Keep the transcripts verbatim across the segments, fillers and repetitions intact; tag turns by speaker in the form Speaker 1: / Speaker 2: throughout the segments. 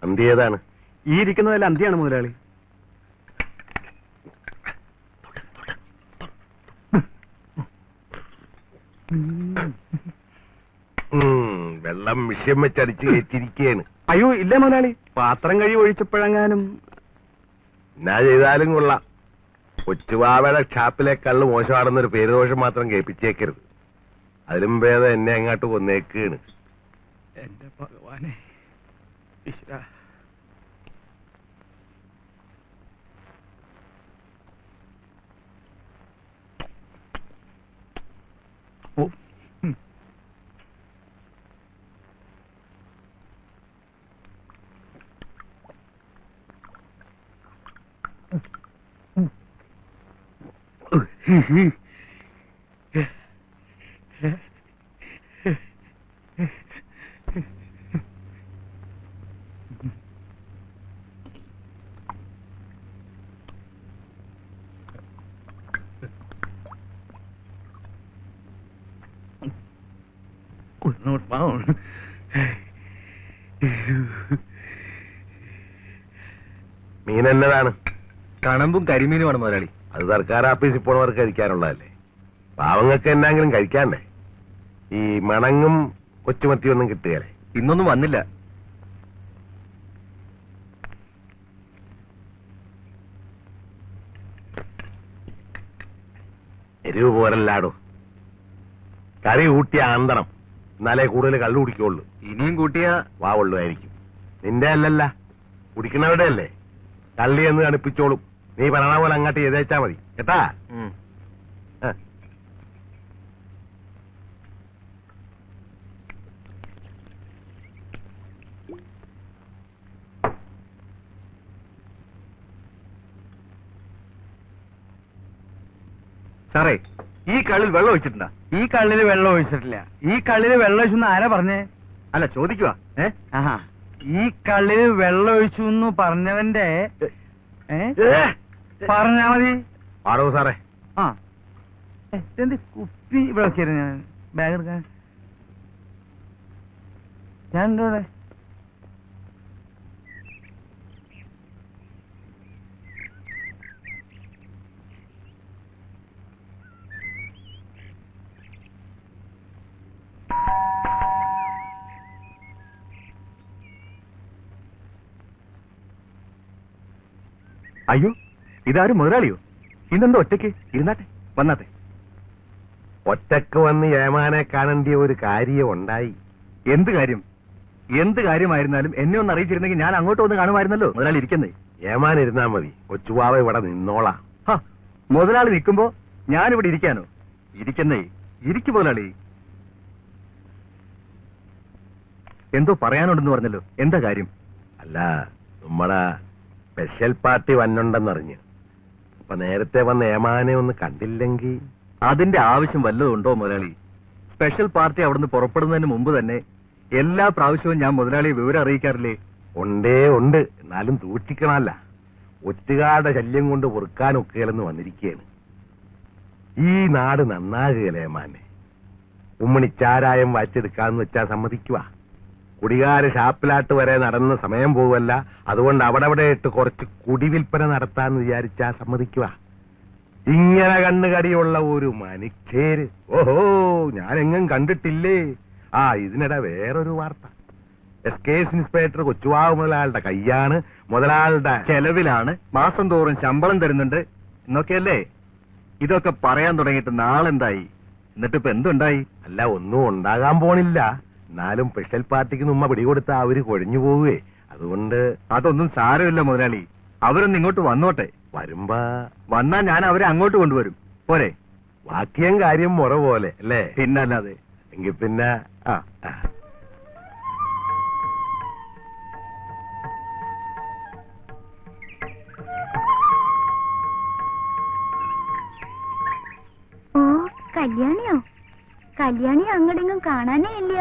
Speaker 1: അന്തി ഏതാണ്?
Speaker 2: ഈ ഇരിക്കുന്നതല്ല അന്തിയാണ് മുതലാളി.
Speaker 1: വെള്ളം വിഷയം വെച്ചടിച്ച് കയറ്റിരിക്കുകയാണ്.
Speaker 2: അയ്യോ ഇല്ല മുതലാളി, പാത്രം കഴി ഒഴിച്ചപ്പോഴെങ്ങാനും.
Speaker 1: എന്നാ ചെയ്താലും കൊള്ളാം. കൊച്ചുവാവയുടെ ഷാപ്പിലെ കള്ള് മോശമാണെന്നൊരു പേരുദോഷം മാത്രം കേൾപ്പിച്ചേക്കരുത്. അതിലും ഭേദം എന്നെ അങ്ങോട്ട് കൊന്നേക്കാണ്.
Speaker 2: എന്റെ ഭഗവാനെ ഈശ്വരാ. ഓ not found.
Speaker 1: മീൻ എന്നതാണ്?
Speaker 2: കണമ്പും കരിമീനുമാണ് മുതലാളി.
Speaker 1: അത് സർക്കാർ ആഫീസിൽ പോണവർക്ക് കഴിക്കാനുള്ളതല്ലേ. പാവങ്ങൾക്ക് എന്നാങ്കിലും കഴിക്കാണ്ടേ? ഈ മണങ്ങും കൊച്ചുമത്തിയൊന്നും കിട്ടുകയല്ലേ?
Speaker 2: ഇന്നൊന്നും വന്നില്ല.
Speaker 1: എരിവ് പോരല്ലാടോ. കറി കൂട്ടിയ ആന്തണം, എന്നാലേ കൂടുതൽ കള്ളു കുടിക്കുള്ളൂ.
Speaker 2: ഇനിയും കൂട്ടിയ
Speaker 1: വാവുള്ളൂയിരിക്കും. നിന്റെ അല്ലല്ല, കുടിക്കണവരുടെ അല്ലേ. കള്ളി എന്ന് കണിപ്പിച്ചോളും. നീ പറയണ പോലെ അങ്ങോട്ട് ചെയ്തേച്ചാ മതി കേട്ടാ.
Speaker 2: സാറേ, ഈ കള്ളിൽ വെള്ളം ഒഴിച്ചിട്ടുണ്ടാ? ഈ കള്ളില് വെള്ളം ഒഴിച്ചിട്ടില്ല. ഈ കള്ളില് വെള്ളം ഒഴിച്ചു ആരാ പറഞ്ഞേ? അല്ല ചോദിക്കുവാ. ഏ ആഹാ, ഈ കള്ളില് വെള്ളം ഒഴിച്ചു എന്ന് പറഞ്ഞവന്റെ പറഞ്ഞാ മതി.
Speaker 1: ആടോ സാറേ.
Speaker 2: ആ എന്ത് കുപ്പി ഇവിടെ വെക്കായിരുന്നു ഞാൻ ബാഗ് എടുക്കാൻ. ഞാൻ ഉണ്ടോ ഇവിടെ? അയ്യോ, ഇതാരും മുതലാളിയോ? ഇന്നെന്തോ ഒറ്റയ്ക്ക് ഇരുന്നാട്ടെ, വന്നാട്ടെ.
Speaker 1: ഒറ്റക്ക് വന്ന് ഏമാനെ കാണേണ്ടിയ ഒരു കാര്യം ഉണ്ടായി.
Speaker 2: എന്ത് കാര്യം? എന്ത് കാര്യമായിരുന്നാലും എന്നെ ഒന്ന് അറിയിച്ചിരുന്നെങ്കിൽ ഞാൻ അങ്ങോട്ട് വന്ന് കാണുമായിരുന്നല്ലോ. മുതലാളി ഇരിക്കുന്നേ.
Speaker 1: ഏമാൻ ഇരുന്നാ മതി, കൊച്ചുവാവ ഇവിടെ നിന്നോളാം.
Speaker 2: മുതലാളി നിൽക്കുമ്പോ ഞാനിവിടെ ഇരിക്കാനോ? ഇരിക്കുന്നേ, ഇരിക്കു മുതലാളി. എന്തോ പറയാനുണ്ടെന്ന് പറഞ്ഞല്ലോ, എന്താ കാര്യം?
Speaker 1: അല്ല, നമ്മടെ സ്പെഷ്യൽ പാർട്ടി വന്നുണ്ടെന്നറിഞ്ഞ്. അപ്പൊ നേരത്തെ വന്ന് ഏമാനെ ഒന്ന് കണ്ടില്ലെങ്കിൽ.
Speaker 2: അതിന്റെ ആവശ്യം വല്ലതും ഉണ്ടോ മുതലാളി? സ്പെഷ്യൽ പാർട്ടി അവിടുന്ന് പുറപ്പെടുന്നതിന് മുമ്പ് തന്നെ എല്ലാ പ്രാവശ്യവും ഞാൻ മുതലാളിയെ വിവരം അറിയിക്കാറില്ലേ?
Speaker 1: ഉണ്ടേ ഉണ്ട്, എന്നാലും സൂക്ഷിക്കണമല്ല. ഒറ്റുകാരുടെ ശല്യം കൊണ്ട് പൊറുക്കാനൊക്കെയല്ലെന്ന് വന്നിരിക്കുകയാണ്. ഈ നാട് നന്നാകുകയല്ലേ ഏമാനെ. ഉമ്മണിച്ചാരായം വാച്ചെടുക്കാന്ന് വെച്ചാ സമ്മതിക്കുക. കുടികാര ഷാപ്പിലാട്ട് വരെ നടന്ന സമയം പോവല്ല. അതുകൊണ്ട് അവിടെ അവിടെ ഇട്ട് കുറച്ച് കുടിവിൽപ്പന നടത്താന്ന് വിചാരിച്ചാ സമ്മതിക്കുക. ഇങ്ങനെ കണ്ണുകടിയുള്ള ഒരു മനുഷ്യര് ഓഹോ ഞാനെങ്ങും കണ്ടിട്ടില്ലേ. ആ ഇതിനിടെ വേറൊരു വാർത്ത. S K S inspector Kochuvavu മുതലാളുടെ കയ്യാണ്, മുതലാളുടെ
Speaker 2: ചെലവിലാണ്, മാസം തോറും ശമ്പളം തരുന്നുണ്ട് എന്നൊക്കെയല്ലേ? ഇതൊക്കെ പറയാൻ തുടങ്ങിയിട്ട് നാളെന്തായി? എന്നിട്ടിപ്പോ എന്തുണ്ടായി?
Speaker 1: അല്ല, ഒന്നും ഉണ്ടാകാൻ പോണില്ല. എന്നാലും സ്പെഷ്യൽ പാർട്ടിക്ക് നമ്മ പിടികൊടുത്താ അവര് കൊഴിഞ്ഞു പോവുകയെ. അതുകൊണ്ട്
Speaker 2: അതൊന്നും സാരമില്ല മുതലാളി. അവരൊന്ന് ഇങ്ങോട്ട് വന്നോട്ടെ.
Speaker 1: വരുമ്പോ
Speaker 2: വന്നാ ഞാൻ അവരെ അങ്ങോട്ട് കൊണ്ടുവരും. പോരെ?
Speaker 1: വാക്യം കാര്യം മുറ പോലെ അല്ലേ?
Speaker 2: പിന്നല്ലാതെ.
Speaker 1: എങ്കിൽ പിന്നെ ആ
Speaker 3: ഓ കല്യാണിയോ? കല്യാണി അങ്ങടെങ്കും കാണാനേ ഇല്ല.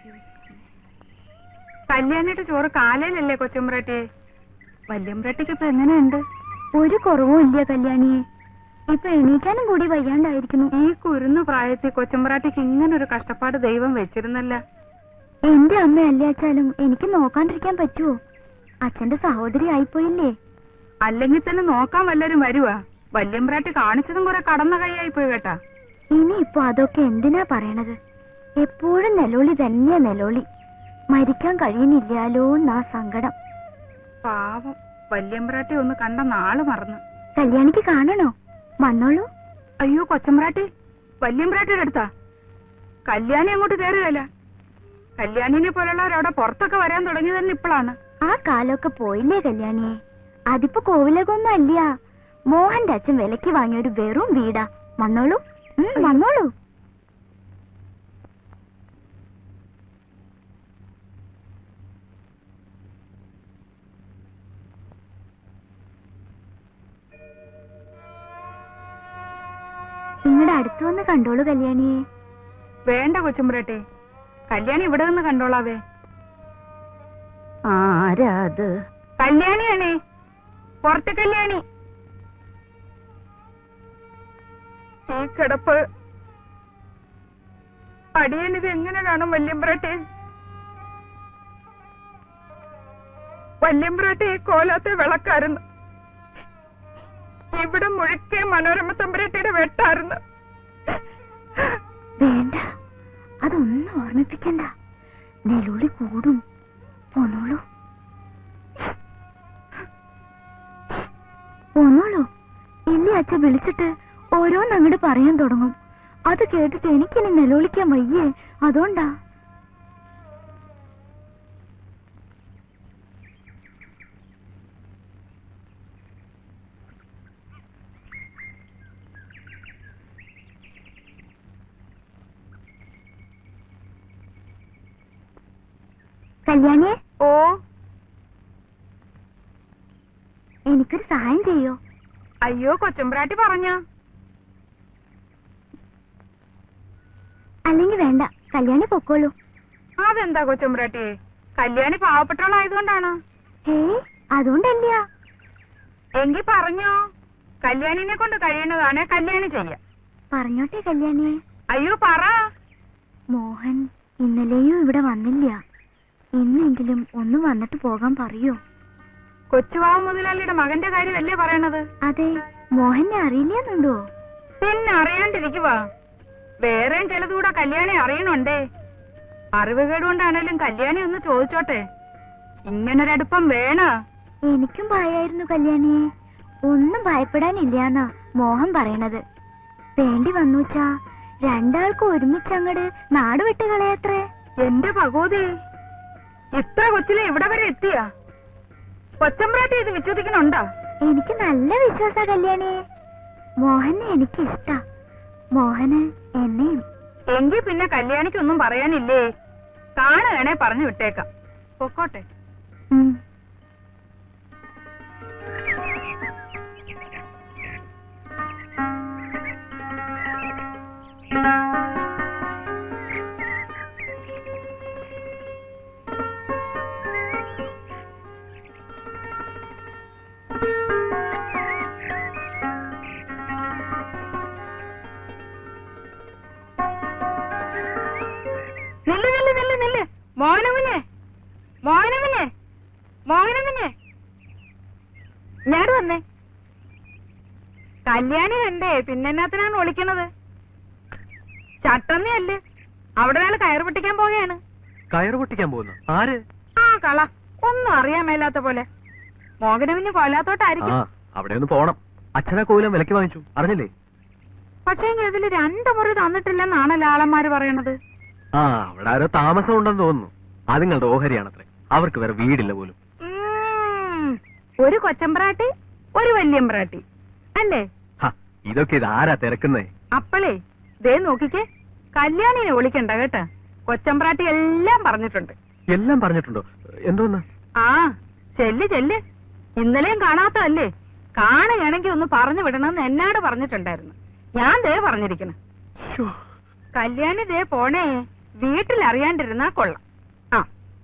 Speaker 4: കല്യാണിയുടെ ചോറ് കാലയിലല്ലേ കൊച്ചുമ്പ്രാട്ടി? വല്യമ്പ്രാട്ടിക്ക് ഇപ്പൊ എങ്ങനെയുണ്ട്?
Speaker 3: ഒരു കുറവും ഇല്ല കല്യാണിയെ. ഇപ്പൊ എണീക്കാനും കൂടി വയ്യാണ്ടായിരിക്കുന്നു.
Speaker 4: ഈ കുരുന്നു പ്രായത്തിൽ കൊച്ചുമ്പ്രാട്ടിക്ക് ഇങ്ങനൊരു കഷ്ടപ്പാട് ദൈവം വെച്ചിരുന്നല്ല.
Speaker 3: എന്റെ അമ്മ അല്ലാച്ചാലും എനിക്ക് നോക്കാണ്ടിരിക്കാൻ പറ്റുമോ? അച്ഛന്റെ സഹോദരി ആയിപ്പോയില്ലേ?
Speaker 4: അല്ലെങ്കിൽ തന്നെ നോക്കാൻ വല്ലവരും വരുവാ. വല്യമ്പ്രാട്ടി കാണിച്ചതും കുറെ കടന്ന കൈയായി പോയി കേട്ടാ.
Speaker 3: ഇനി ഇപ്പൊ അതൊക്കെ എന്തിനാ പറയണത്? എപ്പോഴും നെലോളി തന്നെയാ നെലോളി. മരിക്കാൻ കഴിയുന്നില്ലാലോ എന്നാ സങ്കടം.
Speaker 4: പാവം വല്യമ്പ്രാട്ടി ഒന്ന് കണ്ട നാള് മറന്നു.
Speaker 3: കല്യാണിക്ക് കാണണോ? വന്നോളൂ.
Speaker 4: അയ്യോ കൊച്ചമ്പ്രാട്ടി, വല്യമ്പ്രാട്ടിയുടെ അടുത്താ. കല്യാണി അങ്ങോട്ട് കയറുകയല്ല. കല്യാണിനെ പോലുള്ളവരവിടെ പുറത്തൊക്കെ വരാൻ തുടങ്ങി തന്നെ ഇപ്പോഴാണ്.
Speaker 3: ആ കാലമൊക്കെ പോയില്ലേ കല്യാണിയെ? അതിപ്പോ കോവിലകൊന്നും അല്ല. മോഹന്റെ അച്ഛൻ വിലക്ക് വാങ്ങിയ ഒരു വെറും വീടാ. വന്നോളൂ, ഉം, വന്നോളൂ. നിങ്ങളുടെ അടുത്ത് വന്ന് കണ്ടോളൂ കല്യാണിയെ.
Speaker 4: വേണ്ട കൊച്ചുമ്പ്രാട്ടി, കല്യാണി ഇവിടെ നിന്ന് കണ്ടോളാവേ.
Speaker 3: ആരാ അത്?
Speaker 4: കല്യാണിയാണേ, പുറത്തെ കല്യാണി. ഈ കിടപ്പ് അടിയനിത് എങ്ങനെ കാണും വല്യമ്പ്രാട്ടി? വല്യമ്പ്രാട്ടി കോലാത്തെ വിളക്കായിരുന്നു. ഇവിടെ മുഴുക്കെ മനോരമ തമ്പുരാട്ടിയുടെ വെട്ടായിരുന്നു.
Speaker 3: വേണ്ട, അതൊന്നും ഓർമ്മിപ്പിക്കണ്ട. നെലോളി കൂടും. പോന്നോളൂ, പോന്നോളൂ. ഇല്ലേ അച്ഛ വിളിച്ചിട്ട് ഓരോന്ന് അങ്ങോട്ട് പറയാൻ തുടങ്ങും. അത് കേട്ടിട്ട് എനിക്കിനി നെലോളിക്കാൻ വയ്യേ, അതുകൊണ്ടാ. കല്യാണിയെ,
Speaker 4: ഓ,
Speaker 3: എനിക്കൊരു സഹായം ചെയ്യോ?
Speaker 4: അയ്യോ കൊച്ചമ്പ്രാട്ടി പറഞ്ഞ.
Speaker 3: അല്ലെങ്കിൽ വേണ്ട, കല്യാണി പൊക്കോളൂ.
Speaker 4: അതെന്താ കൊച്ചമ്പ്രാട്ടി? കല്യാണി പാവപ്പെട്ടവളായതുകൊണ്ടാണ്.
Speaker 3: ഏയ്, അതുകൊണ്ടല്ല.
Speaker 4: എങ്കി പറഞ്ഞോ, കല്യാണിനെ കൊണ്ട് കഴിയുന്നതാണ് കല്യാണി ചെയ്യ.
Speaker 3: പറഞ്ഞോട്ടെ കല്യാണിയെ.
Speaker 4: അയ്യോ പറ.
Speaker 3: മോഹൻ ഇന്നലെയും ഇവിടെ വന്നില്ല. ഇന്നെങ്കിലും ഒന്ന് വന്നിട്ട് പോകാൻ പറയോ?
Speaker 4: കൊച്ചുവാവ് മുതലാളിയുടെ മകന്റെ കാര്യമല്ലേ പറയണത്?
Speaker 3: അതെ, മോഹനെ അറിയില്ലെന്നുണ്ടോ?
Speaker 4: പിന്നെ അറിയാണ്ടിരിക്കുവാ. വേറെയും ചിലതുകൂടെ കല്യാണി അറിയണുണ്ടേ. അറിവുകേടുകൊണ്ടാണേലും കല്യാണി ഒന്ന് ചോദിച്ചോട്ടെ. ഇങ്ങനൊരടുപ്പം വേണ.
Speaker 3: എനിക്കും ഭയായിരുന്നു കല്യാണിയെ. ഒന്നും ഭയപ്പെടാനില്ലാന്നാ മോഹൻ പറയണത്. വേണ്ടി വന്നുച്ചാ രണ്ടാൾക്കും ഒരുമിച്ചങ്ങട് നാട് വിട്ട് കളയത്രേ.
Speaker 4: എന്റെ ഭഗവതി, ഇത്ര കൊച്ചിലെ ഇവിടെ വരെ എത്തിയാ? കൊച്ചമ്പ്രാട്ടി ഇത് വിശ്വസിക്കണുണ്ടോ?
Speaker 3: എനിക്ക് നല്ല വിശ്വാസ കല്യാണിയെ. മോഹനെ എനിക്ക് ഇഷ്ടാ, മോഹന് എന്നെയും.
Speaker 4: എങ്കിൽ പിന്നെ കല്യാണിക്കൊന്നും പറയാനില്ലേ? കാണുകയാണെ പറഞ്ഞു വിട്ടേക്കാം. പൊക്കോട്ടെ.
Speaker 3: ഉം.
Speaker 4: നില്ല് നില്ല് നില്ല് നില്ല്. മോഹനകുഞ്ഞെ, മോഹനകുഞ്ഞെ, മോഹനകുഞ്ഞെ, ഞാൻ വന്നേ. കല്യാണി കണ്ടേ, പിന്നെന്നാത്തിനാണ് വിളിക്കണത്? ചട്ടന്നയല്ലേ, അവിടെ ഒരാൾ കയറ് പൊട്ടിക്കാൻ പോവുകയാണ്.
Speaker 2: കയറ് പൊട്ടിക്കാൻ പോകുന്നു? ആര്?
Speaker 4: ആ കള, ഒന്നും അറിയാൻ മേലാത്ത പോലെ. മോഹനകുഞ്ഞ് കൊല്ലാത്തോട്ടായിരിക്കും.
Speaker 2: അവിടെ ഒന്ന് പോണം. അച്ഛനെ കോവിലം വിലക്ക് വാങ്ങിച്ചു, അറിഞ്ഞില്ലേ?
Speaker 4: പക്ഷേ ഇതില് രണ്ടു മുറി തന്നിട്ടില്ലെന്നാണല്ലോ ആളന്മാര് പറയണത്.
Speaker 2: ആ, അവിടെ ആരോ താമസം ഉണ്ടെന്ന് തോന്നുന്നു. അത് നിങ്ങളുടെ ഓഹരിയാണത്രേ. അവർക്ക് വേറെ വീടില്ല പോലും.
Speaker 4: ഉം, ഒരു കൊച്ചമ്പ്രാട്ടി, ഒരു വല്യമ്പ്രാട്ടി അല്ലേ?
Speaker 2: ഇതൊക്കെ ഇത് ആരാ തിരക്കുന്നേ?
Speaker 4: അപ്പളേ ദേ നോക്കിക്കേ, കല്യാണിനെ വിളിക്കണ്ട കേട്ടാ. കൊച്ചമ്പ്രാട്ടി എല്ലാം പറഞ്ഞിട്ടുണ്ട്.
Speaker 2: എല്ലാം പറഞ്ഞിട്ടുണ്ടോ? എന്തോന്ന്?
Speaker 4: ആ, ചെല്ല് ചെല്ല്. ഇന്നലെയും കാണാത്തതല്ലേ? കാണുകയാണെങ്കിൽ ഒന്ന് പറഞ്ഞു വിടണമെന്ന് എന്നോട് പറഞ്ഞിട്ടുണ്ടായിരുന്നു. ഞാൻ ദേ പറഞ്ഞിരിക്കണം. കല്യാണി ദേ പോണേ, വീട്ടിൽ അറിയാണ്ടിരുന്നാ കൊള്ളാം. ആ,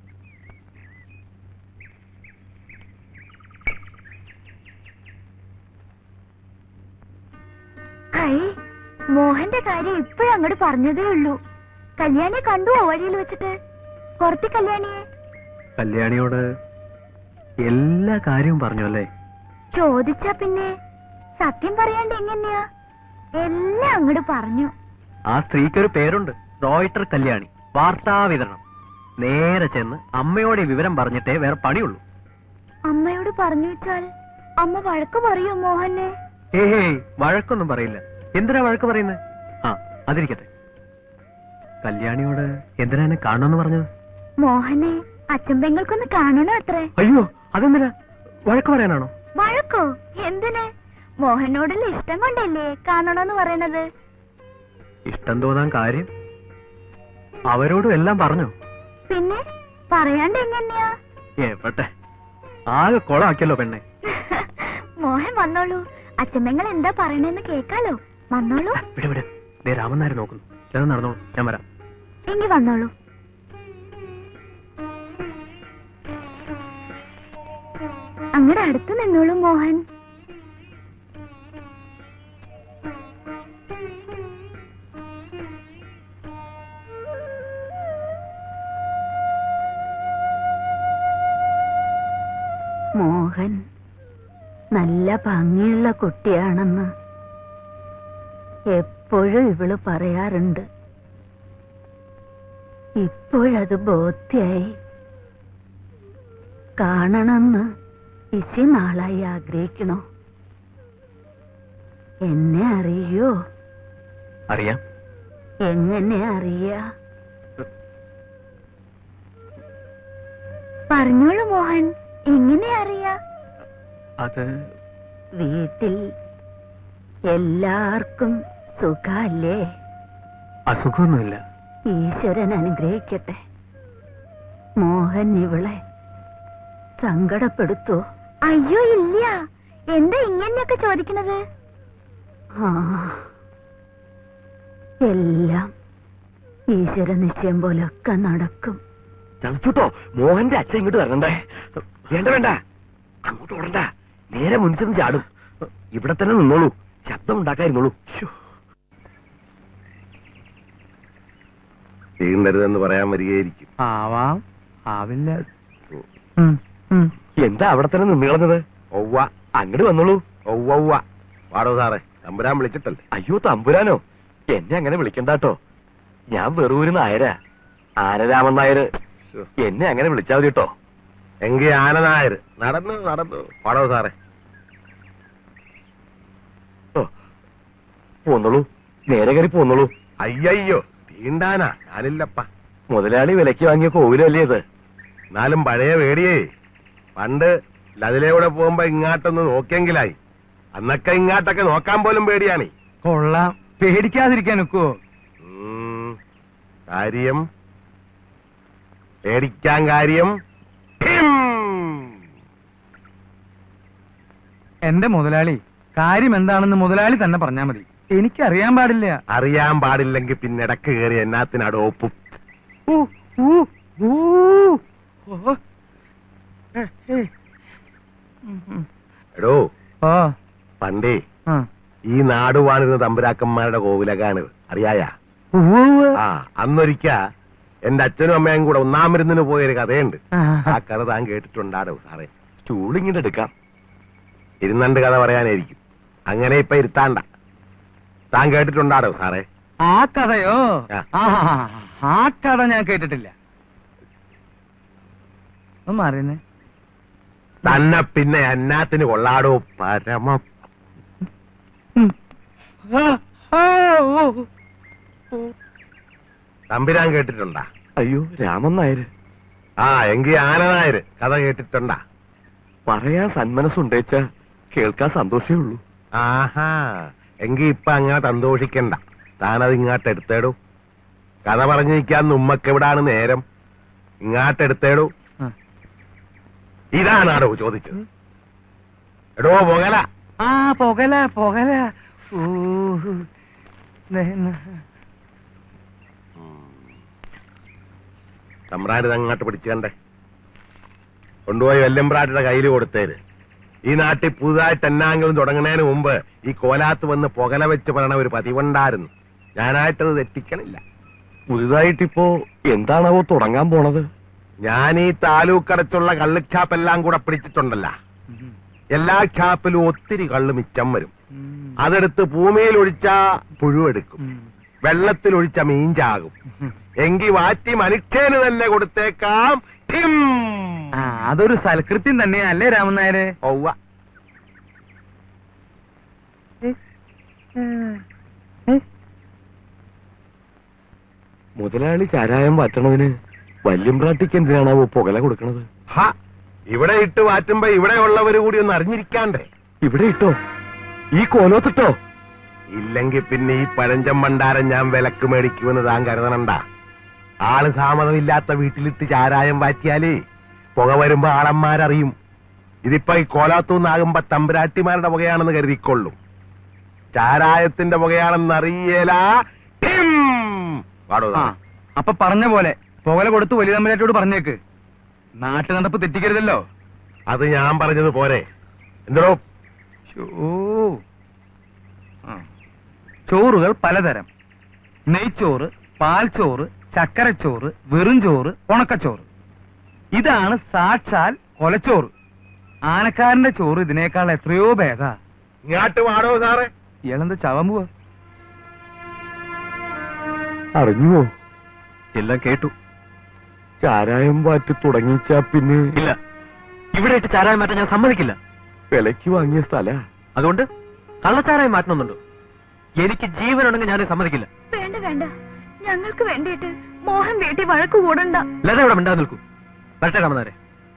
Speaker 3: ഐ, മോഹന്റെ കാര്യം ഇപ്പോഴും അങ്ങോട്ട് പറഞ്ഞതേ ഉള്ളൂ. കല്യാണിയെ കണ്ടുവോ വഴിയിൽ വെച്ചിട്ട്? പുറത്തി കല്യാണിയെ?
Speaker 2: കല്യാണിയോട് എല്ലാ കാര്യവും പറഞ്ഞു അല്ലേ?
Speaker 3: ചോദിച്ചാ പിന്നെ സത്യം പറയാണ്ട് എങ്ങനെയാ? എല്ലാം അങ്ങോട്ട് പറഞ്ഞു.
Speaker 2: ആ സ്ത്രീക്കൊരു പേരുണ്ട്, റോയിട്ടർ കല്യാണി. വാർത്താ വിതരണം. നേരെ ചെന്ന് അമ്മയോട് ഈ വിവരം പറഞ്ഞിട്ടേ വേറെ പണിയുള്ളൂ.
Speaker 3: അമ്മയോട് പറഞ്ഞു വെച്ചാൽ അമ്മ വഴക്ക് പറയോ മോഹനെ?
Speaker 2: ഏഹേ, വഴക്കൊന്നും പറയില്ല. എന്തിനാ വഴക്ക് പറയുന്നത്? ആ, അതിരിക്കട്ടെ. കല്യാണിയോട് എന്തിനാ എന്നെ കാണണമെന്ന് പറഞ്ഞത്?
Speaker 3: മോഹനെ അച്ഛൻ പെങ്ങൾക്കൊന്ന് കാണണോ അത്രേ.
Speaker 2: അയ്യോ, അതെന്തിനാ? വഴക്ക് പറയാനാണോ?
Speaker 3: വഴക്കോ? എന്തിന്? മോഹനോടുള്ള ഇഷ്ടം കൊണ്ടല്ലേ കാണണോന്ന് പറയണത്.
Speaker 2: ഇഷ്ടം തോന്നാൻ കാര്യം? അവരോടും എല്ലാം പറഞ്ഞു.
Speaker 3: പിന്നെ പറയാണ്ട് എങ്ങനെയാ?
Speaker 2: ഏട്ടെ, ആകെ കൊളാക്കിയല്ലോ പെണ്ണെ.
Speaker 3: മോഹൻ വന്നോളൂ, അച്ഛൻ പെങ്ങൾ എന്താ പറയണെന്ന് കേക്കാലോ. വന്നോളൂ.
Speaker 2: വിട് വിട്, ദേ രാമൻ നായർ നോക്കുന്നു. ചെന്ന് നടന്നോളൂ, ഞാൻ വരാം.
Speaker 3: എങ്കി വന്നോളൂ. അങ്ങടെ അടുത്ത് നിന്നോളൂ മോഹൻ.
Speaker 4: മോഹൻ നല്ല ഭംഗിയുള്ള കുട്ടിയാണെന്ന് എപ്പോഴും ഇവള് പറയാറുണ്ട്. ഇപ്പോഴത് ബോധ്യായി. കാണണമെന്ന് ഇശി നാളായി ആഗ്രഹിക്കണോ? എന്നെ അറിയോ?
Speaker 2: അറിയാം.
Speaker 4: എങ്ങനെ അറിയാ?
Speaker 3: പറഞ്ഞോളൂ മോഹൻ, എങ്ങനെ അറിയാ?
Speaker 2: അത്
Speaker 4: വീട്ടിൽ എല്ലാവർക്കും സുഖല്ലേ?
Speaker 2: അസുഖമൊന്നുമില്ല.
Speaker 4: ഈശ്വരൻ അനുഗ്രഹിക്കട്ടെ. മോഹൻ ഇവളെ സങ്കടപ്പെടുത്തോ?
Speaker 3: അയ്യോ ഇല്ല. എന്താ ഇങ്ങനെയൊക്കെ ചോദിക്കണത്?
Speaker 4: ആ, എല്ലാം ഈശ്വര നിശ്ചയം പോലൊക്കെ നടക്കും.
Speaker 1: ചതച്ചുട്ടോ, മോഹന്റെ അച്ഛൻ ഇങ്ങോട്ട് വരണ്ടേ? വേണ്ട വേണ്ട, അങ്ങോട്ട് ഓടണ്ട. നേരെ മുൻചെന്ന് ചാടും. ഇവിടെ തന്നെ നിന്നോളൂ, ശബ്ദം ഉണ്ടാക്കായിരുന്നോളൂ. ചെയ്യുന്നരുതെന്ന് പറയാൻ വരികയായിരിക്കും.
Speaker 2: ആവാം, ആവില്ല.
Speaker 1: എന്താ അവിടെ തന്നെ നിന്ന് കളഞ്ഞത്? ഒവ്വ, അങ്ങോട്ട് വന്നോളൂ. ഒവ്വ, പാടോ സാറേ, തമ്പുരാൻ വിളിച്ചിട്ടല്ലേ? അയ്യോ, തമ്പുരാനോ? എന്നെ അങ്ങനെ വിളിക്കണ്ടാട്ടോ. ഞാൻ വെറൂര് നായരാ, ആനരാമൻ നായര്. എന്നെ അങ്ങനെ വിളിച്ചാൽ മതി കേട്ടോ. എങ്കിൽ ആന നായർ. നടന്നു നടന്നു പാടോ സാറേ. പോന്നോളൂ, നേരെ കയറി പോന്നോളൂ. അയ്യോ, തീണ്ടാനാ ഞാനില്ലപ്പ. മുതലാളി വിലക്ക് വാങ്ങിയ കോവിലല്ലേ ഇത്? എന്നാലും പഴയ പേടിയേ. പണ്ട് ലതിലൂടെ പോകുമ്പോ ഇങ്ങാട്ടൊന്ന് നോക്കിയെങ്കിലായി. അന്നൊക്കെ ഇങ്ങാട്ടൊക്കെ നോക്കാൻ പോലും പേടിയാണ്.
Speaker 2: കൊള്ളാം, പേടിക്കാതിരിക്കാൻ ഒക്കുവോ?
Speaker 1: കാര്യം പേടിക്കാൻ കാര്യം.
Speaker 2: എന്റെ മുതലാളി, കാര്യം എന്താണെന്ന് മുതലാളി തന്നെ പറഞ്ഞാ മതി. എനിക്കറിയാൻ പാടില്ല.
Speaker 1: അറിയാൻ പാടില്ലെങ്കിൽ പിന്നെ ഇടക്ക് കയറി എന്നാത്തിനാട് ഒപ്പും. എടോ, പണ്ടേ ഈ നാട് വാണിരുന്ന തമ്പുരാക്കന്മാരുടെ കോവിലകാണിത് അറിയായ? ആ, അന്നൊരിക്ക എന്റെ അച്ഛനും അമ്മയും കൂടെ ഒന്നാം മരുന്നിന് പോയൊരു കഥയുണ്ട്. ആ കഥ താൻ കേട്ടിട്ടുണ്ടാടോ സാറേ? സ്റ്റൂളിങ്ങിട്ട് എടുക്കാം, ഇരുന്നണ്ട് കഥ പറയാനായിരിക്കും. അങ്ങനെ ഇപ്പൊ ഇരുത്താണ്ട. താൻ കേട്ടിട്ടുണ്ടാടോ സാറേ?
Speaker 2: ആ കഥയോ? ആ കഥ ഞാൻ കേട്ടിട്ടില്ല. ഒന്ന് മാറിയെന്നേ.
Speaker 1: തന്നെ പിന്നെ എന്നാത്തിന് കൊള്ളാടോ പരമ. തമ്പുരാൻ കേട്ടിട്ടുണ്ടാ?
Speaker 2: അയ്യോ, രാമൻ നായര്.
Speaker 1: ആ, എങ്കി ആന നായര് കഥ കേട്ടിട്ടുണ്ടാ?
Speaker 2: പറയാൻ സന്മനസ്സുണ്ടേച്ച കേൾക്കാൻ സന്തോഷമേ ഉള്ളൂ.
Speaker 1: ആഹാ, എങ്കി ഇപ്പൊ അങ്ങനെ സന്തോഷിക്കണ്ട. താനത് ഇങ്ങോട്ട് എടുത്തേടൂ. കഥ പറഞ്ഞിരിക്കാൻ ഉമ്മക്ക് എവിടാണ് നേരം? ഇങ്ങോട്ട് എടുത്തേടൂ. ഇതാണാടോ ചോദിച്ചത്? എടോ പൊകല.
Speaker 2: ആ, പൊകല പൊകല.
Speaker 1: തമ്പ്രാൻ അങ്ങോട്ട് പിടിച്ചു കണ്ടേ, കൊണ്ടുപോയി വല്യമ്പ്രാട്ടിയുടെ കയ്യിൽ കൊടുത്തേര്. ഈ നാട്ടിൽ പുതുതായിട്ട് എന്നാങ്കിലും തുടങ്ങുന്നതിന് മുമ്പ് ഈ കോലാത്ത് വന്ന് പുകല വെച്ച് പറയണ ഒരു പതിവുണ്ടായിരുന്നു. ഞാനായിട്ടത് തെറ്റിക്കണില്ല.
Speaker 2: പുതുതായിട്ടിപ്പോ എന്താണാവോ തുടങ്ങാൻ പോണത്?
Speaker 1: ഞാൻ ഈ താലൂക്കടച്ചുള്ള കള്ളുച്ചാപ്പെല്ലാം കൂടെ പിടിച്ചിട്ടുണ്ടല്ല. എല്ലാ ഛാപ്പിലും ഒത്തിരി കള്ള് മിച്ചം വരും. അതെടുത്ത് ഭൂമിയിൽ ഒഴിച്ചാ പുഴുവെടുക്കും, വെള്ളത്തിൽ ഒഴിച്ച മീഞ്ചാകും. എങ്കി വാറ്റി മനുഷ്യന് തന്നെ കൊടുത്തേക്കാം.
Speaker 2: അതൊരു സൽകൃത്യം തന്നെയാ അല്ലേ രാമൻ നായരെ?
Speaker 1: ഒവ്വ.
Speaker 5: മുതലാളി ചാരായം വാറ്റണതിന് വല്യമ്പ്രാട്ടിക്ക് എന്തിനാണാവോ പുകല കൊടുക്കണത്?
Speaker 1: ഹാ, ഇവിടെ ഇട്ട് വാറ്റുമ്പോ ഇവിടെ ഉള്ളവര് കൂടി ഒന്ന് അറിഞ്ഞിരിക്കാണ്ടേ?
Speaker 5: ഇവിടെ ഇട്ടോ? ഈ കോലോത്തിട്ടോ?
Speaker 1: ഇല്ലെങ്കിൽ പിന്നെ ഈ പഴഞ്ചം ഭണ്ഡാരം ഞാൻ വിലക്ക് മേടിക്കുമെന്ന് താൻ കരുതണണ്ട. ആള് സാമതമില്ലാത്ത വീട്ടിലിട്ട് ചാരായം വാറ്റിയാലേ പുക വരുമ്പോ ആളന്മാരറിയും. ഇതിപ്പോ ഈ കോലാത്തൂന്നാകുമ്പോ തമ്പുരാട്ടിമാരുടെ പുകയാണെന്ന് കരുതിക്കൊള്ളും. ചാരായത്തിന്റെ പുകയാണെന്ന് അറിയേല.
Speaker 2: അപ്പൊ പറഞ്ഞ പോലെ പുകല കൊടുത്ത് വലിയ തമ്പുരാട്ടിയോട് പറഞ്ഞേക്ക്. നാട്ടു നടപ്പ് തെറ്റിക്കരുതല്ലോ.
Speaker 1: അത് ഞാൻ പറഞ്ഞത് പോരെ? എന്തോ
Speaker 2: ചോറുകൾ പലതരം: നെയ്ച്ചോറ്, പാൽച്ചോറ്, ചക്കരച്ചോറ്, വെറും ചോറ്, ഉണക്കച്ചോറ്. ഇതാണ് സാക്ഷാൽ കൊലച്ചോറ്. ആനക്കാരന്റെ ചോറ് ഇതിനേക്കാൾ എത്രയോ ഭേദാ.
Speaker 1: ഇങ്ങാട്ട് വാടോ സാറേ.
Speaker 2: ഇയാളെന്താ ചവൻ പോവാ?
Speaker 5: അറിഞ്ഞുവോ?
Speaker 2: എല്ലാം കേട്ടു.
Speaker 5: ചാരായം വാറ്റി തുടങ്ങിച്ചാ പിന്നെ
Speaker 2: ഇല്ല, ഇവിടെ ഇട്ട് ചാരായം മാറ്റാൻ ഞാൻ സമ്മതിക്കില്ല.
Speaker 5: വിലക്ക് വാങ്ങിയ സ്ഥല,
Speaker 2: അതുകൊണ്ട് കള്ളച്ചാരായം മാറ്റണമെന്നുണ്ടോ? എനിക്ക് ജീവനുണ്ടെങ്കിൽ ഞാൻ സമ്മതിക്കില്ല.
Speaker 3: വേണ്ട വേണ്ട, ഞങ്ങൾക്ക് വേണ്ടിയിട്ട് മോഹൻ വീട്ടിൽ വഴക്ക് കൂടണ്ട.
Speaker 2: ലത ഇവിടെ മിണ്ടാതെ നിൽക്കൂ. വരട്ടെ രാമനാരെ.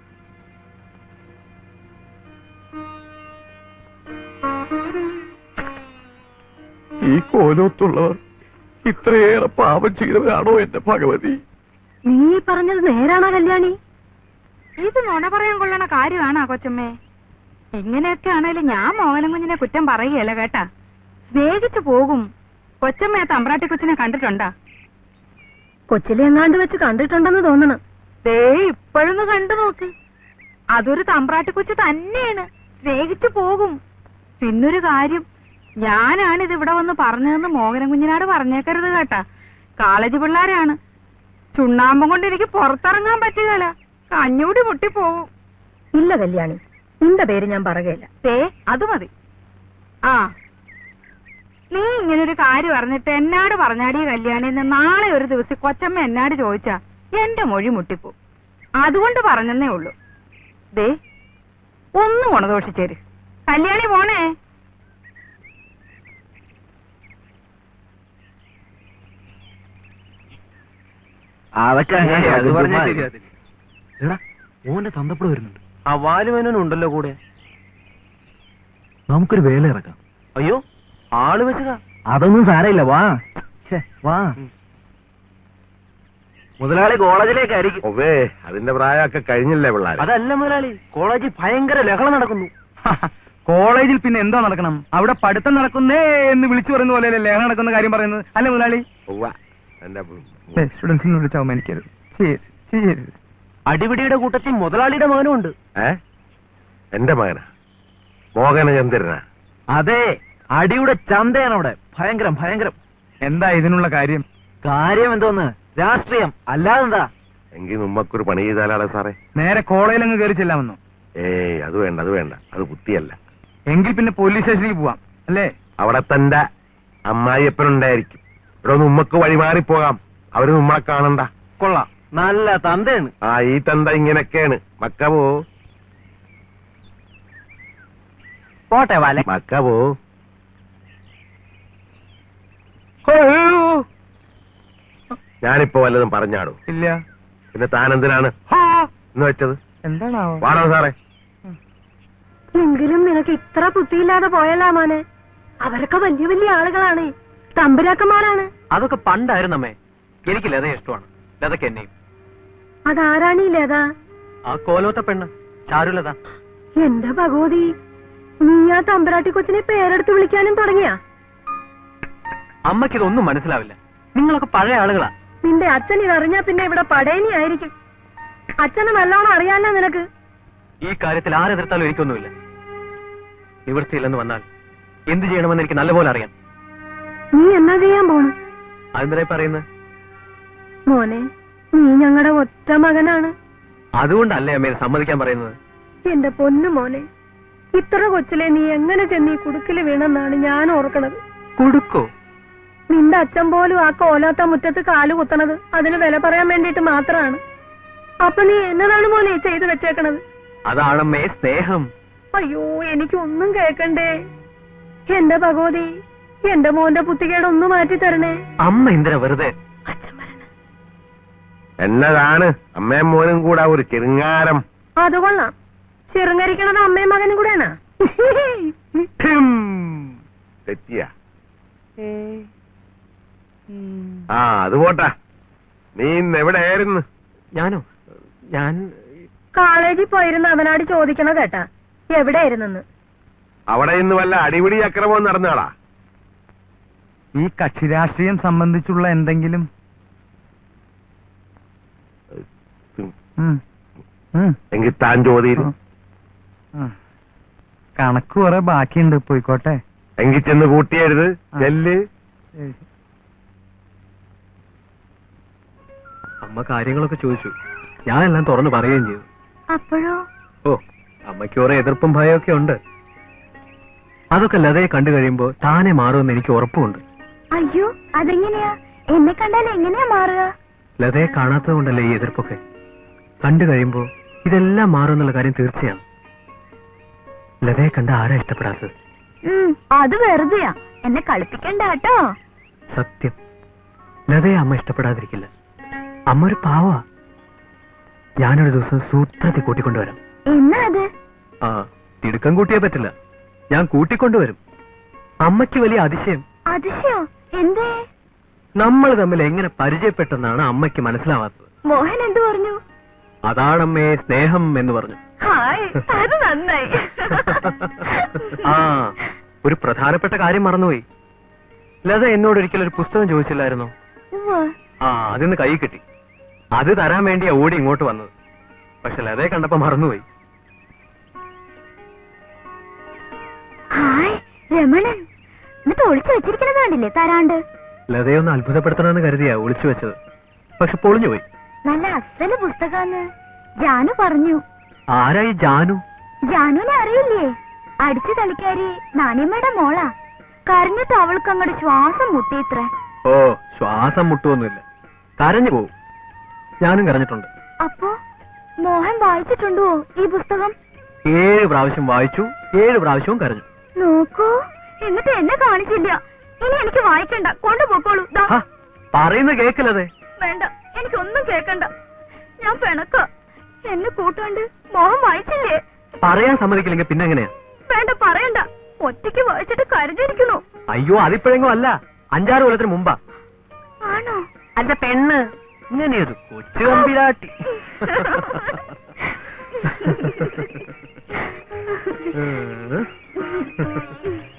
Speaker 5: ഈ കോലോത്തുള്ളവർ ഇത്രയേറെ പാപം ചെയ്തവരാണോ എന്റെ ഭഗവതി?
Speaker 3: നീ പറഞ്ഞത് നേരാണോ കല്യാണി?
Speaker 4: ഇത് നുണ പറയാൻ കൊള്ളണ കാര്യമാണോ കൊച്ചമ്മേ? ഇങ്ങനെയൊക്കെ ആണേലും ഞാൻ മോഹനം കുഞ്ഞിനെ കുറ്റം പറയുകയല്ല കേട്ടാ. സ്നേഹിച്ചു പോകും. കൊച്ചമ്മയെ തമ്പ്രാട്ടി കൊച്ചിനെ കണ്ടിട്ടുണ്ടാ?
Speaker 3: കൊച്ചിലെ എങ്ങാണ്ട് വെച്ച് കണ്ടിട്ടുണ്ടെന്ന് തോന്നണം.
Speaker 4: ദേ ഇപ്പോഴൊന്ന് കണ്ടു നോക്ക്. അതൊരു തമ്പ്രാട്ടി കൊച്ചു തന്നെയാണ്. സ്നേഹിച്ചു പോകും. പിന്നൊരു കാര്യം, ഞാനാണിത് ഇവിടെ വന്ന് പറഞ്ഞതെന്ന് മോഹനം കുഞ്ഞിനാട് പറഞ്ഞേക്കരുത് കേട്ടാ. കോളേജ് പിള്ളേരാണ്. ചുണ്ണാമ്പം കൊണ്ട് എനിക്ക് പുറത്തിറങ്ങാൻ പറ്റുകയില്ല. കഞ്ഞൂടി മുട്ടിപ്പോവും.
Speaker 3: ഇല്ല കല്യാണി, നിന്റെ പേര് ഞാൻ പറയുകയില്ല.
Speaker 4: ദേ അത് മതി. ആ, നീ ഇങ്ങനൊരു കാര്യം അറിഞ്ഞിട്ട് എന്നാട് പറഞ്ഞാടി കല്യാണിന്ന് നാളെ ഒരു ദിവസം കൊച്ചമ്മ എന്നാട് ചോദിച്ചാ എന്റെ മൊഴി മുട്ടിപ്പോ. അതുകൊണ്ട് പറഞ്ഞെന്നേ ഉള്ളൂ. ദേ ഒന്ന് ഗുണദോഷിച്ചേര്. കല്യാണി പോണേ.
Speaker 2: ഓന്റെ തന്തപ്പുഴ വരുന്നുണ്ട്.
Speaker 5: ആ വാലുമേനുണ്ടല്ലോ കൂടെ.
Speaker 2: നമുക്കൊരു വേല ഇറക്കാം.
Speaker 5: അയ്യോ, ആള് വെച്ചുക.
Speaker 2: അതൊന്നും സാരമില്ല, വാ വാ.
Speaker 5: മുതലാളി കോളേജിലേക്കായിരിക്കും.
Speaker 1: ഒവേ, അതിന്റെ പ്രായമൊക്കെ കഴിഞ്ഞില്ലേ പിള്ളേർ?
Speaker 5: അതല്ല മുതലാളി, കോളേജിൽ ഭയങ്കര ലഹള നടക്കുന്നു.
Speaker 2: കോളേജിൽ പിന്നെ എന്താ നടക്കണം? അവിടെ പഠിത്തം നടക്കുന്നേ എന്ന് വിളിച്ചു പറയുന്ന പോലെ ലഹള നടക്കുന്ന കാര്യം പറയുന്നത് അല്ലേ മുതലാളി? സ്റ്റുഡൻസിനെ വിളിച്ച് അവമാനിക്കരുത്. ചെയ്യരുത്.
Speaker 5: അടിപിടിയുടെ കൂട്ടത്തിൽ മുതലാളിയുടെ മകനും ഉണ്ട്.
Speaker 1: ഏ, എന്റെ മകനാ? മോഹനചന്ദ്രനാ?
Speaker 5: അതെ, അടിയുടെ ചന്തയാണ് അവിടെ. ഭയങ്കരം ഭയങ്കരം.
Speaker 2: എന്താ ഇതിനുള്ള കാര്യം?
Speaker 5: കാര്യം എന്തോന്ന്? രാഷ്ട്രീയം, അല്ലാതെന്താ?
Speaker 1: എങ്കിൽ നമ്മക്കൊരു പണി ചെയ്താലാണ് സാറേ.
Speaker 2: നേരെ കോളേജിൽ അങ്ങ് കയറി ചെല്ലാമെന്നോ?
Speaker 1: ഏയ്, അത് വേണ്ട, അത് വേണ്ട. അത് ബുദ്ധിയല്ല.
Speaker 2: എങ്കിൽ പിന്നെ പോലീസ് സ്റ്റേഷനിലേക്ക് പോവാം അല്ലേ?
Speaker 1: അവിടെ തന്റെ അമ്മായിയപ്പനുണ്ടായിരിക്കും. ഇവിടെ ഒന്ന് ഉമ്മക്ക് വഴിമാറിപ്പോകാം. അവര് നമ്മളെ കാണണ്ട.
Speaker 2: കൊള്ളാം,
Speaker 5: നല്ല തന്തയാണ്.
Speaker 1: ആ, ഈ തന്ത ഇങ്ങനെയൊക്കെയാണ്. മക്കവോ
Speaker 5: പോട്ടെ വാല.
Speaker 1: മക്കവോ ഞാനിപ്പോ വല്ലതും പറഞ്ഞാടോ?
Speaker 2: ഇല്ല.
Speaker 1: പിന്നെ താൻ എന്തിനാണ് എന്ന് വെച്ചത്?
Speaker 2: എന്താണാവോ?
Speaker 1: വാടോ സാറേ.
Speaker 3: എങ്കിലും നിനക്ക് ഇത്ര ബുദ്ധിയില്ലാതെ പോയല്ലാ മോനെ. അവരൊക്കെ വലിയ വലിയ ആളുകളാണ്, തമ്പുരാക്കന്മാരാണ്.
Speaker 5: അതൊക്കെ പണ്ടായിരുന്നു അമ്മേ. എനിക്ക് ലത ഇഷ്ടമാണ്. ലതക്ക് എന്നെയും.
Speaker 3: അതാരാണീ ലത?
Speaker 5: ആ കോലോത്ത പെണ്ണ് ചാരുലത.
Speaker 3: എന്റെ ഭഗവതി, നീ ആ തമ്പുരാട്ടി കൊച്ചിനെ പേരെടുത്ത് വിളിക്കാനും തുടങ്ങിയാ?
Speaker 5: അമ്മയ്ക്കിതൊന്നും മനസ്സിലാവില്ല. നിങ്ങളൊക്കെ പഴയ ആളുകളാ.
Speaker 3: നിന്റെ അച്ഛൻ ഇതറിഞ്ഞാ പിന്നെ ഇവിടെ പടയണി ആയിരിക്കും. അച്ഛന് നല്ലോണം അറിയാലോ നിനക്ക്.
Speaker 5: ഈ കാര്യത്തിൽ ആരെതിർത്താലും എനിക്കൊന്നുമില്ല. നിവൃത്തിയില്ലെന്ന് വന്നാൽ എന്ത് ചെയ്യണമെന്ന് എനിക്ക് നല്ലപോലെ അറിയാം.
Speaker 3: നീ എന്നാ ചെയ്യാൻ പോണു?
Speaker 5: അതെന്തിനായി പറയുന്നത്?
Speaker 3: മോനെ, നീ ഞങ്ങളുടെ ഒറ്റ മകനാണ്.
Speaker 5: അതുകൊണ്ടല്ലേ അമ്മയെ സമ്മതിക്കാൻ പറയുന്നത്?
Speaker 6: എന്റെ പൊന്നു മോനെ, ഇത്ര കൊച്ചിലെ നീ എങ്ങനെ ചെന്ന് ഈ കുടുക്കില് വീണെന്നാണ് ഞാൻ ഓർക്കണത്.
Speaker 5: കൊടുക്കോ?
Speaker 6: നിന്റെ അച്ഛൻ പോലും ആ കോലാത്ത മുറ്റത്ത് കാല് കുത്തണത് അതിന് വില പറയാൻ വേണ്ടിട്ട് മാത്രമാണ്. അപ്പൊ നീ എന്നതാണ് മോനെ ചെയ്തു വെച്ചേക്കണത്?
Speaker 5: അതാണമ്മേ സ്നേഹം.
Speaker 6: അയ്യോ, എനിക്കൊന്നും കേക്കണ്ടേ. എന്റെ ഭഗവതി, എന്റെ മോന്റെ പുത്തികേടൊന്ന് മാറ്റി തരണേ.
Speaker 5: അമ്മ എന്തിനാ വെറുതെ?
Speaker 1: എന്നതാണ് അമ്മയും മോനും കൂടെ ഒരു ചെറുങ്ങാരം.
Speaker 6: അത് കൊള്ളാം. ചെറുങ്ങരിക്കണത് അമ്മയും മകനും കൂടെയാണോ?
Speaker 1: തെറ്റിയ ആ അത് പോട്ടാ. നീ ഇന്ന് എവിടെയായിരുന്നു?
Speaker 5: ഞാനോ? ഞാൻ
Speaker 6: കോളേജിൽ പോയിരുന്ന അവനാട് ചോദിക്കണ കേട്ടാ എവിടെയായിരുന്നെന്ന്.
Speaker 1: അവിടെ ഇന്ന് വല്ല അടിപിടി അക്രമവും നടന്നാളാ?
Speaker 2: ഈ കക്ഷി രാഷ്ട്രീയം സംബന്ധിച്ചുള്ള എന്തെങ്കിലും? ഉം. ഉം.
Speaker 1: എങ്കിൽ താൻ ചോദ്യം.
Speaker 2: ഉം. കണക്ക് കുറെ ബാക്കിയുണ്ട്, പോയിക്കോട്ടെ.
Speaker 1: എങ്കിൽ ചെന്ന് കൂട്ടിയരുത്. ചെല്ല്.
Speaker 5: അമ്മ കാര്യങ്ങളൊക്കെ ചോദിച്ചു, ഞാനെല്ലാം തുറന്നു പറയുകയും ചെയ്തു.
Speaker 3: അപ്പോഴോ?
Speaker 5: ഓ, അമ്മയ്ക്ക് കുറെ എതിർപ്പും ഭയമൊക്കെ ഉണ്ട്. അതൊക്കെ ലതയെ കണ്ടു കഴിയുമ്പോ താനെ മാറുമെന്ന് എനിക്ക് ഉറപ്പുണ്ട്.
Speaker 3: അയ്യോ, അതെങ്ങനെയാ? എന്നെ കണ്ടാൽ എങ്ങനെയാ മാറുക?
Speaker 5: ലതയെ കാണാത്തത് കൊണ്ടല്ലേ ഈ എതിർപ്പൊക്കെ. കണ്ടു കഴിയുമ്പോ ഇതെല്ലാം മാറുമെന്നുള്ള കാര്യം തീർച്ചയാണ്. ലതയെ കണ്ട ആരാ ഇഷ്ടപ്പെടാത്തത്?
Speaker 3: ഉം, അത് വെറുതെയാ. എന്നെ കളിപ്പിക്കണ്ട കേട്ടോ.
Speaker 5: സത്യം, ലതയെ അമ്മ ഇഷ്ടപ്പെടാതിരിക്കില്ല. അമ്മ ഒരു പാവാ. ഞാനൊരു ദിവസം സൂത്രത്തിൽ കൂട്ടിക്കൊണ്ടുവരാം.
Speaker 3: എന്നാ അത്?
Speaker 5: ആ, തിടുക്കം കൂട്ടിയേ പറ്റില്ല. ഞാൻ കൂട്ടിക്കൊണ്ടുവരും. അമ്മയ്ക്ക് വലിയ അതിശയം.
Speaker 3: അതിശയോ? എന്തേ?
Speaker 5: നമ്മൾ തമ്മിൽ എങ്ങനെ പരിചയപ്പെട്ടെന്നാണ് അമ്മയ്ക്ക് മനസ്സിലാവാത്തത്.
Speaker 3: മോഹൻ എന്തു പറഞ്ഞു?
Speaker 5: അതാണമ്മേ സ്നേഹം എന്ന് പറഞ്ഞു.
Speaker 3: ഹായ്, അത് നന്നായി.
Speaker 5: ആ, ഒരു പ്രധാനപ്പെട്ട കാര്യം മറന്നുപോയി. ലത എന്നോട് ഒരിക്കലും ഒരു പുസ്തകം ചോദിച്ചില്ലായിരുന്നോ?
Speaker 3: ഉവ്വ്.
Speaker 5: ആ, അതിന്ന് കൈ കിട്ടി. അത് തരാൻ വേണ്ടിയാ ഓടി ഇങ്ങോട്ട് വന്നത്. പക്ഷെ ലതയെ കണ്ടപ്പോ മറന്നുപോയി.
Speaker 3: ഹായ് രമണൻ, എന്നിട്ട് ഒളിച്ചു വെച്ചിരിക്കണത് കണ്ടില്ലേ തരാണ്ട്?
Speaker 5: ലതയൊന്ന് അത്ഭുതപ്പെടുത്തണമെന്ന് കരുതിയാ ഒളിച്ചു വെച്ചത്. പക്ഷെ പൊളിഞ്ഞുപോയി.
Speaker 3: നല്ല അസല് പുസ്തകാന്ന് ജാനു പറഞ്ഞു.
Speaker 5: ആരായി ജാനു?
Speaker 3: ജാനുവിനെ അറിയില്ലേ? അടിച്ചു തളിക്കാരി നാണിയമ്മയുടെ മോളാ. കരഞ്ഞിട്ട് അവൾക്ക് അങ്ങോട്ട് ശ്വാസം മുട്ടിയിത്ര.
Speaker 5: ഓ, ശ്വാസം മുട്ടുവൊന്നുമില്ല, കരഞ്ഞു പോവും. ഞാനും കരഞ്ഞിട്ടുണ്ട്.
Speaker 3: അപ്പോ മോഹൻ വായിച്ചിട്ടുണ്ടോ ഈ പുസ്തകം?
Speaker 5: ഏഴ് പ്രാവശ്യം വായിച്ചു, ഏഴ് പ്രാവശ്യവും കരഞ്ഞു.
Speaker 3: നോക്കൂ, എന്നിട്ട് എന്നെ കാണിച്ചില്ല. ഇനി എനിക്ക് വായിക്കണ്ട, കൊണ്ടുപോക്കോളൂ. ദാ.
Speaker 5: ഹ, പറയുന്ന കേക്കില്ലതെ.
Speaker 3: വേണ്ട, എനിക്കൊന്നും കേക്കണ്ട. ഞാൻ പിണക്ക. എന്നെ കൂട്ടാണ്ട് മോഹൻ വായിച്ചില്ലേ?
Speaker 5: പറയാൻ സമ്മതിക്കില്ലെങ്കിൽ പിന്നെ എങ്ങനെയാ?
Speaker 3: വേണ്ട, പറയണ്ട. ഒറ്റയ്ക്ക് വായിച്ചിട്ട് കരഞ്ഞിരിക്കണു.
Speaker 5: അയ്യോ, അതിപ്പോഴെങ്ങും അല്ല, അഞ്ചാറ് കൊല്ലത്തിന് മുമ്പാ.
Speaker 3: ആണോ?
Speaker 5: അല്ല പെണ്ണ്, ഇങ്ങനെയൊരു കൊച്ചു കമ്പിരാട്ടി. ഉം.